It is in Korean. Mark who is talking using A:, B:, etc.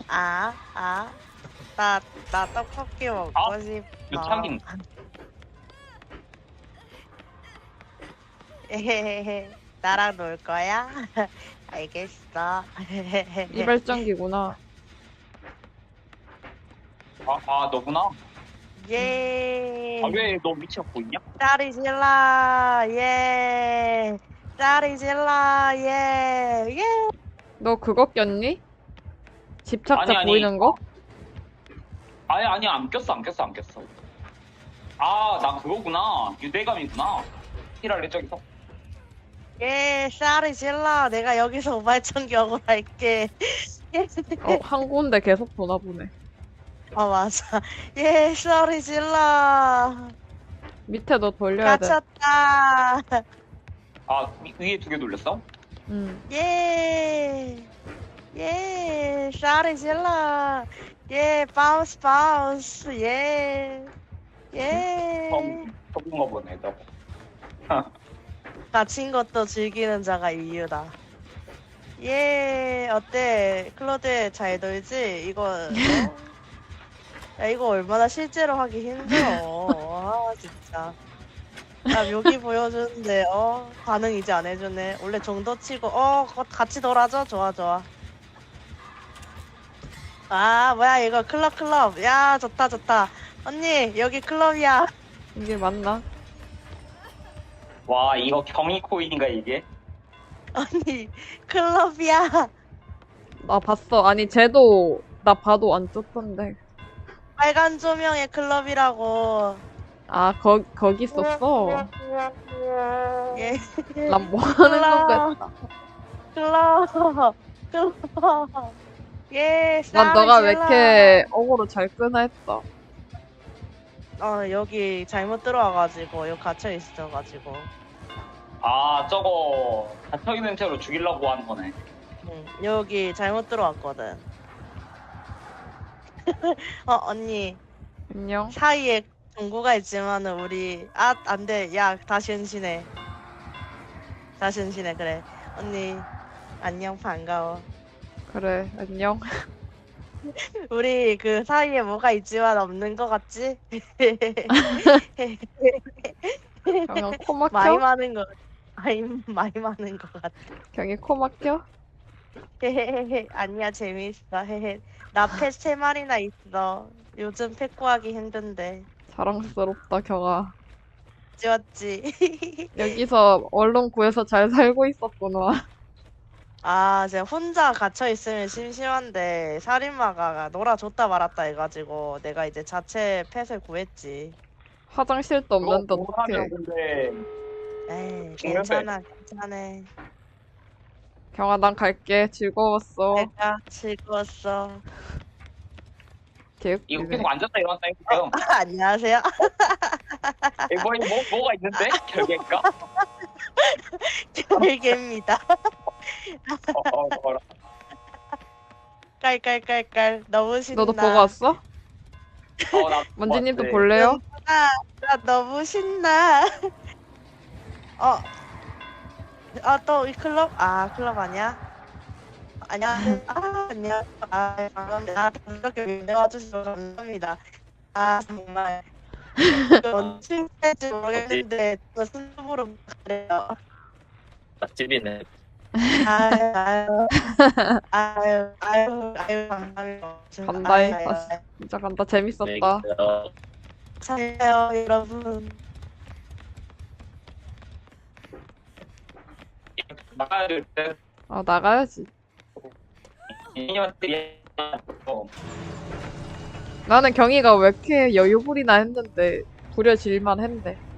A: 나 떡볶이 먹고 싶어.
B: 유창인.
A: 에헤헤헤. 나랑 놀 거야? 알겠어.
C: 이발전기구나.
B: 너구나.
A: 예.
B: 왜 너 위치가 보이냐?
A: 짜리 질러. 예. 짜리 질러. 예. 예.
C: 너 그거 꼈니? 집착자
B: 아니.
C: 보이는 거?
B: 아니 안 꼈어. 나 그거구나. 유대감이구나. 히랄레 저기서.
A: 예. 짜리 질러. 내가 여기서 우발전기 억울할게. 예.
C: 한 군데 계속 보나 보네.
A: 맞아. 예. 짜리 질러.
C: 밑에 너 돌려야 돼.
A: 갇혔다.
B: 위에 2개 돌렸어?
A: 예. 예. 짜리 질러. 예. 바운스. 예.
B: 저건가 보네 저거.
A: 갇힌 것도 즐기는 자가 이유다. 예, 어때? 클로드 잘 놀지? 야, 이거 얼마나 실제로 하기 힘들어. 진짜. 야, 묘기 보여주는데, 반응 이제 안 해주네. 원래 정도 치고, 같이 놀아줘? 좋아. 뭐야, 이거 클럽. 야, 좋다. 언니, 여기 클럽이야.
C: 이게 맞나?
B: 와 이거 경이 코인인가 이게?
A: 언니, 클럽이야.
C: 나 봤어. 아니 쟤도 나 봐도 안 떴던데.
A: 빨간 조명의 클럽이라고.
C: 거기 있었어.
A: 예.
C: 난 뭐 하는 건가?
A: 클럽. 예.
C: 난 너가 왜
A: 쌀
C: 이렇게 어그로 잘 끄나 했다.
A: 여기 잘못 들어와가지고 여기 갇혀 있어가지고.
B: 저거 갇혀있는 채로 죽이려고 하는 거네.
A: 응, 여기 잘못 들어왔거든. 언니
C: 안녕.
A: 사이에 동구가 있지만은 우리 안돼. 야 다시 은신해. 그래. 언니 안녕 반가워.
C: 그래 안녕.
A: 우리 그 사이에 뭐가 있지만 없는 거 같지?
C: 경영 코 막혀?
A: 많이 많은 거 같아.
C: 경이 코 막혀?
A: 아니야 재밌어. 나 펫 3마리나 있어. 요즘 펫 구하기 힘든데.
C: 자랑스럽다 경아.
A: 지웠지.
C: 여기서 얼른 구해서 잘 살고 있었구나.
A: 제가 혼자 갇혀 있으면 심심한데 살인마가 놀아줬다 말았다 해가지고 내가 이제 자체 펫을 구했지.
C: 화장실도 없는데 어떡해.
B: 근데
A: 에이 괜찮아.
C: 경아 난 갈게. 즐거웠어.
A: 내가 즐거웠어.
C: 개웃기네.
B: 이거 계속 앉았다 일어났다 했고요.
A: 안녕하세요.
B: 뭐가 있는데? 결계일까?
A: 별개입니다. 깔깔깔깔 너무 신나.
C: 너도 보고 왔어? 먼지님도 볼래요?
A: 나 너무 신나. 또 이 클럽? 클럽 아니야? 안녕. 안녕. 반갑습니다. 나한테 이렇게 밀려와주셔서 감사합니다. 정말. 언제 할지 모르겠는데, 저 스스로 그래요.
D: 맛집이네.
A: 아유, 감사합니다.
C: 간다 해. 진짜 간다. 재밌었다.
A: 잘해요, 여러분.
B: 나가야 될 때.
C: 나가야지.
B: 인형들이
C: 나는 경이가 왜 이렇게 여유 부리나 했는데 부려질만 했네.